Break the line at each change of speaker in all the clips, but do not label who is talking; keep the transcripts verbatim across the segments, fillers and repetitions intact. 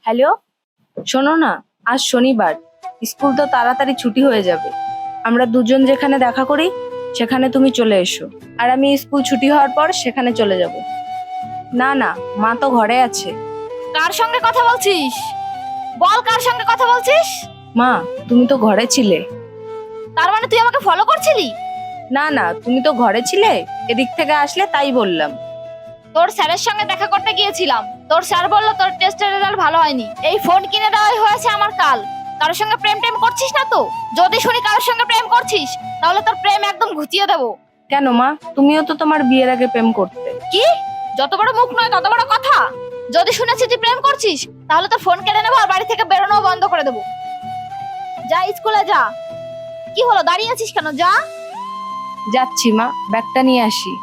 Hello, শোনো না, আজ শনিবার, স্কুল তো তাড়াতাড়ি ছুটি হয়ে যাবে। আমরা দুজন যেখানে দেখা করি সেখানে তুমি চলে এসো, আর আমি স্কুল ছুটি হওয়ার পর সেখানে চলে যাব। না না, মা তো ঘরে আছে।
কার সঙ্গে কথা বলছিস? বল, কার সঙ্গে কথা বলছিস?
মা, তুমি তো ঘরে ছিলে।
তার মানে তুই আমাকে ফলো করছিলি?
না না, তুমি তো ঘরে ছিলে, এদিক থেকে আসলে তাই বললাম।
তোর স্যারের সঙ্গে দেখা করতে গিয়েছিলাম। তোর স্যার বললো তোর টেস্টের রেজাল্ট ভালো হয়নি। এই ফোন কিনে দেওয়াই হয়েছে আমার কাল। কারোর সঙ্গে প্রেম টেম করছিস না তো? যদি শুনি কারোর সঙ্গে প্রেম করছিস তাহলে তোর প্রেম একদম ঘুচিয়ে দেবো।
কেন মা, তুমিও তো তোমার বিয়ের আগে প্রেম করতে।
কি? যত বড় মুখ নয় তত বড় কথা। যদি শুনেছি তুই প্রেম করছিস তাহলে তোর ফোন কেড়ে নেবো আর বাড়ি থেকে বেরোনো বন্ধ করে দেবো। যা, স্কুলে যা। কি হলো, দাঁড়িয়ে আছিস কেন? যা।
যাচ্ছি মা, ব্যাগটা নিয়ে আসি।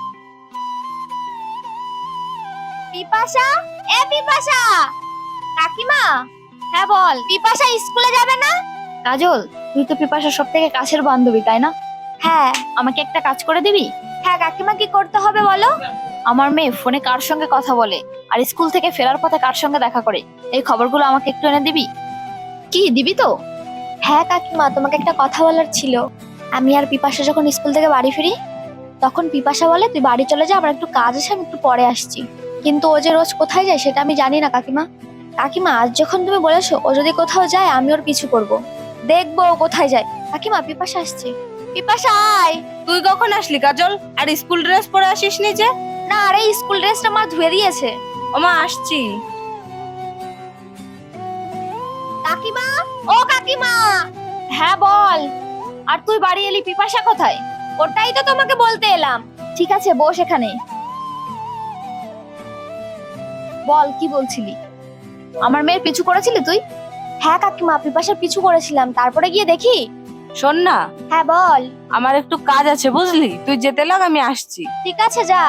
পিপাসা, এ পিপাসা। কাকিমা। হ্যাঁ বল। পিপাসা স্কুলে যাবে না? কাজল, তুই তো পিপাসার সব থেকে কাছের বান্ধবী, তাই না? হ্যাঁ। আমাকে একটা কাজ করে দিবি? হ্যাঁ কাকিমা, কি করতে হবে বলো? আমার মেয়ে ফোনে কার সঙ্গে কথা বলে আর স্কুল থেকে ফেরার পথে কার সঙ্গে দেখা করে, এই খবরগুলো আমাকে একটু এনে দিবি? কি দিবি তো? হ্যাঁ কাকিমা, তোমাকে একটা কথা বলার ছিল। আমি আর পিপাসা যখন স্কুল থেকে বাড়ি ফিরি তখন পিপাসা বলে তুই বাড়ি চলে যা, আমার একটু কাজ আছে, আমি একটু পরে আসছি। কিন্তু ও যে রোজ কোথায় যায় সেটা আমি জানি না কাকিমা। কাকিমা, আজ যখন তুমি বলেছো ও যদি কোথাও যায় আমি ওর পিছু করব, দেখবো ও কোথায় যায়। কাকিমা, পিপাসা আসছে। পিপাসা আয়।
তুই কখন আসলি কাজল? আর স্কুল ড্রেস পরে আসিস নি যে?
না, আরে স্কুল ড্রেসটা মা ধুয়ে দিয়েছে।
ওমা, আসছি।
কাকিমা, ও কাকিমা। হ্যাঁ বল। আর তুই বাড়ি এলি, পিপাসা কোথায়? ওটাই তো তোমাকে বলতে এলাম। ঠিক আছে, বস এখানে। বল, কি বলছিলি? আমার মেয়ের পিছু করেছিলি তুই? হ্যাঁ কাকিমা, পিপাসার পিছু করেছিলাম, তারপরে গিয়ে দেখি।
শোন না,
হ্যাঁ বল।
আমার একটু কাজ আছে বুঝলি, তুই যেতে লাগ, আমি আসছি।
ঠিক আছে, যা।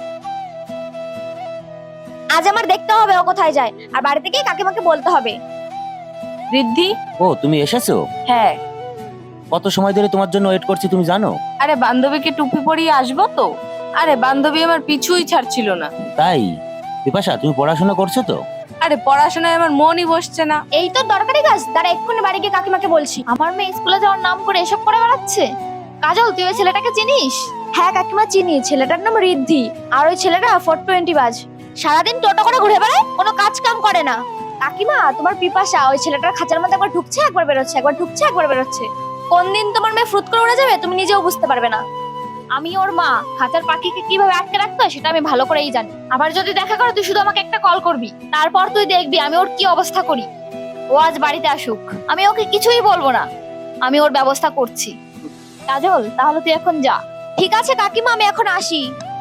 আজ আমার দেখতে হবে ও কোথায় যায়, আর বাড়িতে গিয়ে কাকিমাকে বলতে হবে।
রিদ্ধি।
ও, তুমি এসেছো?
হ্যাঁ।
কত সময় ধরে তোমার জন্য ওয়েট করছি, তুমি জানো?
আরে বান্ধবীকে টুপি পরিয়ে আসবো তো। আরে বান্ধবী আমার পিছুই ছাড়ছিল না।
তাই? বিপাশা, তুমি পড়াশোনা করছো তো?
আরে পড়াশোনায় আমার মনই বসছে না।
এই তো দরকারি কাজ, তারা এক্ষুনি বাড়ি গিয়ে কাকিমাকে বলছি। আমার মেয়ে স্কুলে যাওয়ার নাম করে এসব করে বেড়াচ্ছে। কাজল, তুই ওই ছেলেটাকে চিনিস? হ্যাঁ কাকিমা, চিনি। ছেলেটার নাম রিদ্ধি, আর ওই ছেলেটা ফোর টোয়েন্টি বাজ। সারাদিন টোটো করে ঘুরে বেড়ায়, কোনো কাজ কাম করে না। কাকিমা, তোমার পিপাসা ওই ছেলেটার খাঁচার মধ্যে একবার ঢুকছে একবার বেরোচ্ছে, একবার ঢুকছে একবার বেরোচ্ছে। কোন দিন তোমার মেয়ে ফ্রুত করে উড়ে যাবে তুমি নিজেও বুঝতে পারবে না। আমি ওর মা, খাঁচার পাখিকে কিভাবে আটকে রাখতে হয় সেটা আমি ভালো করেই জানি। আবার যদি দেখা করো তুই শুধু আমাকে একটা কল করবি, তারপর তুই দেখবি আমি ওর কি অবস্থা করি। ও আজ বাড়িতে আসুক, আমি ওকে কিছুই বলবো না, আমি ওর ব্যবস্থা করছি। কাজল, তাহলে তুই এখন যা। ঠিক আছে কাকিমা, আমি এখন আসি।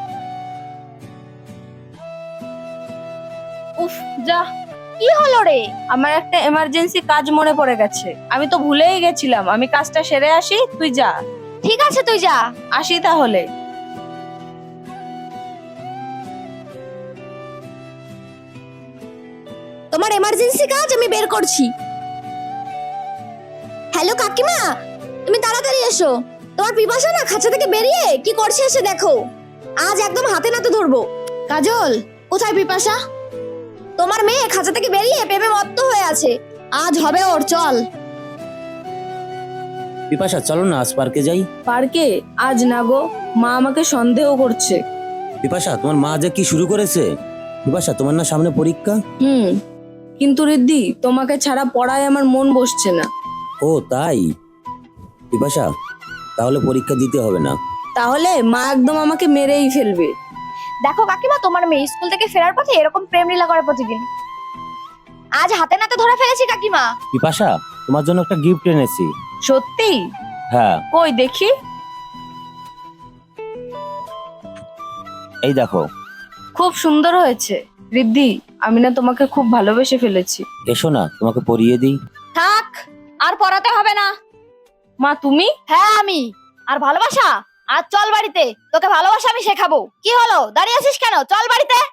উফ, যা।
কি হলো রে?
আমার একটা এমার্জেন্সি কাজ মনে পড়ে গেছে, আমি তো ভুলেই গেছিলাম। আমি কাজটা সেরে আসি, তুই যা।
ঠিক আছে, তুই যা।
আসি তাহলে।
তোমার এমার্জেন্সি কাজ আমি বের করছি। হ্যালো কাকিমা, তুমি তাড়াতাড়ি এসো। তোমার পিপাসা না খাঁচা থেকে বেরিয়ে কি করছে এসে দেখো। আজ একদম হাতে নাতে ধরবো। কাজল, কোথায় পিপাসা? তোমার মেয়ে খাঁচা থেকে বেরিয়ে প্রেমে মত্ত হয়ে আছে, আজ হবে ওর। চল।
বিপাশা, চলো না আজ পার্কে যাই।
পার্কে? আজ না গো, মা আমাকে সন্দেহ করছে।
বিপাশা, তোমার মা যে কি শুরু করেছে। বিপাশা, তোমার না সামনে পরীক্ষা?
হুম, কিন্তু রিদ্ধি, তোমাকে ছাড়া পড়ায় আমার মন বসছে না।
ও তাই? বিপাশা, তাহলে পরীক্ষা দিতে হবে না।
তাহলে মা একদম আমাকে মেরেই ফেলবে।
দেখো কাকিমা, তোমার মেয়ে স্কুল থেকে ফেরার পথে এরকম প্রেম লীলা করে প্রতিদিন। আজ হাতে নাতে ধরে ফেলেছি কাকিমা।
বিপাশা, তোমার জন্য একটা গিফট এনেছি।
সত্যি?
হ্যাঁ,
কই দেখি।
এই দেখো।
খুব সুন্দর হয়েছে। রিদ্ধি, আমি না তোমাকে খুব ভালোবেসে ফেলেছি।
এসো না, তোমাকে পরিয়ে দিই।
থাক, আর পড়াতে হবে না।
মা, তুমি?
হ্যাঁ আমি। আর ভালোবাসা? আজ চল বাড়িতে, তোকে ভালোবাসা আমি শেখাবো। কি হলো, দাঁড়িয়ে আছিস কেন? চল বাড়িতে।